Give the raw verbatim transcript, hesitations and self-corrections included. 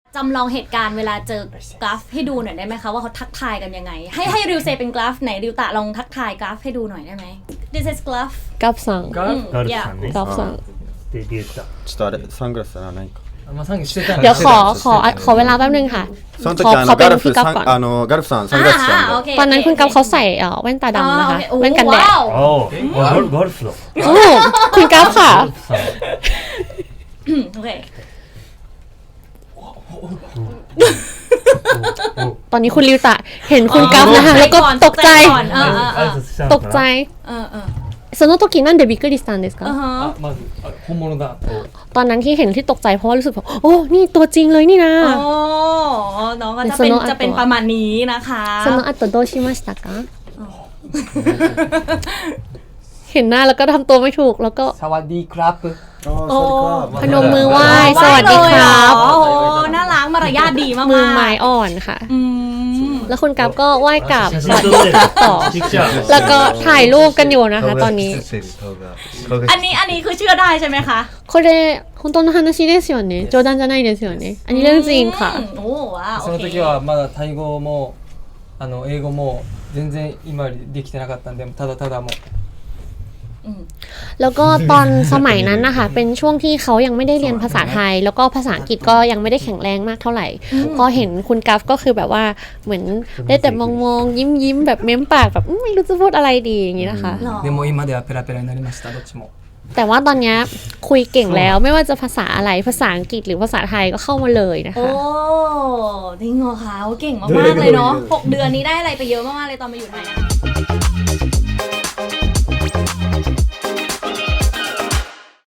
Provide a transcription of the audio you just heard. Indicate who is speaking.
Speaker 1: จำลองเหตุการณ์เวลาเจอกราฟให้ดูหน่อยได้ไหมคะว่าเขาทักทายกันยังไงให้ให้ริวเซเป็นกราฟไหนริวตะลองทักทายกราฟให้ดูหน่อยได้ไหม This is กราฟ
Speaker 2: กราฟさん
Speaker 3: ガル
Speaker 1: ガルフさんね
Speaker 2: กราฟさん
Speaker 3: でリュウタ
Speaker 4: ちょっとあれサングラスならないか
Speaker 3: まあサングしてたん
Speaker 2: เดี๋ยวขอขอขอเวลาแป๊บนึงค่ะ
Speaker 4: その時
Speaker 2: ขอ
Speaker 4: あ
Speaker 2: ขอ
Speaker 4: の
Speaker 2: เป็น
Speaker 4: ガルフ
Speaker 2: พี่กัฟ
Speaker 4: さ
Speaker 2: ก่อน
Speaker 4: んあのガルフさんサングラスしたんで
Speaker 1: โอเค
Speaker 2: ตอนนั้นคุณกัฟเขาใส่เอ่อแว่นตาดำนะคะแว่นกันแดด
Speaker 3: ああガルガルフだ
Speaker 2: โอ้คุณกัฟค่ะ
Speaker 3: ガルフさん
Speaker 1: โอเค
Speaker 2: ตอนนี้คุณริวตะเห็นคุณกัฟนะคะแล้วก็ตกใจ
Speaker 3: 挨拶したの
Speaker 2: ต
Speaker 3: か
Speaker 2: ก
Speaker 3: な
Speaker 2: ใจ
Speaker 1: เออเออ
Speaker 2: その時なんでびっくりしたんですか
Speaker 1: อ่าฮะ
Speaker 3: あまずあ本物だと
Speaker 2: ตอนนั้นที่เห็นที่ตกใจเพราะว่ารู้สึกแบบโอ้นี่ตัวจริงเลยนี่นะ
Speaker 1: โอ้น้องก็จะเป็นจะเป็นประมาณนี้นะคะ
Speaker 2: その後どうしましたかเห็นหน้าแล้วก็ทำตัวไม่ถูกแล้วก็
Speaker 3: サワディークラップ
Speaker 1: โอ้
Speaker 2: พนมมือไหว้สวัสดีครับ
Speaker 1: โอ้น่ารักมารยาทดีมากๆ
Speaker 2: มือไม้อ่อนค่ะ
Speaker 1: อืม
Speaker 2: แล้วคุณกัฟก็ไหว้กราบ
Speaker 3: 写
Speaker 2: ส
Speaker 3: 真
Speaker 2: วัส
Speaker 3: 撮
Speaker 2: ดี
Speaker 3: って
Speaker 2: ครับต่อ
Speaker 3: ピクチャー
Speaker 2: แล้วก็ถ่ายรูปกันอยู่นะคะ ตอนนี้
Speaker 1: อันนี้อันนี้คือเชื่อได้ใช่ไหมคะ
Speaker 2: これ本当の話ですよね冗談じゃないですよねอันนี้เรื่องจริงค่ะ
Speaker 1: อืมโอ้ว้าว
Speaker 3: その時はまだタイ語もあの英語も全然今よりできてなかったんでただただもう
Speaker 2: แล้วก็ตอนสมัยนั้นนะคะเป็นช่วงที่เขายังไม่ได้เรียนภาษาไทย แล้วก็ภาษาอังกฤษก็ยังไม่ได้แข็งแรงมากเท่าไหร่พอเห็นคุณกัฟก็คือแบบว่าเหมือนได้แต่มองๆยิ้มๆแบบเม้มปากแบบไม่รู้จะพูดอะไรดีอย่างนี้นะคะ
Speaker 3: でも今ではペラペラになりましたどっちも
Speaker 2: แต่ว่าตอนนี้คุยเก่งแล้วไม่ว่าจะภาษาอะไรภาษาอังกฤษหรือภาษาไทยก็เข้ามาเลยนะ
Speaker 1: โอ้
Speaker 2: คะ
Speaker 1: จริงเหรอคะเก่งมากๆเลยเนาะหกเดือนนี้ได้อะไรไปเยอะมากๆเลยตอนมาอยู่ไทย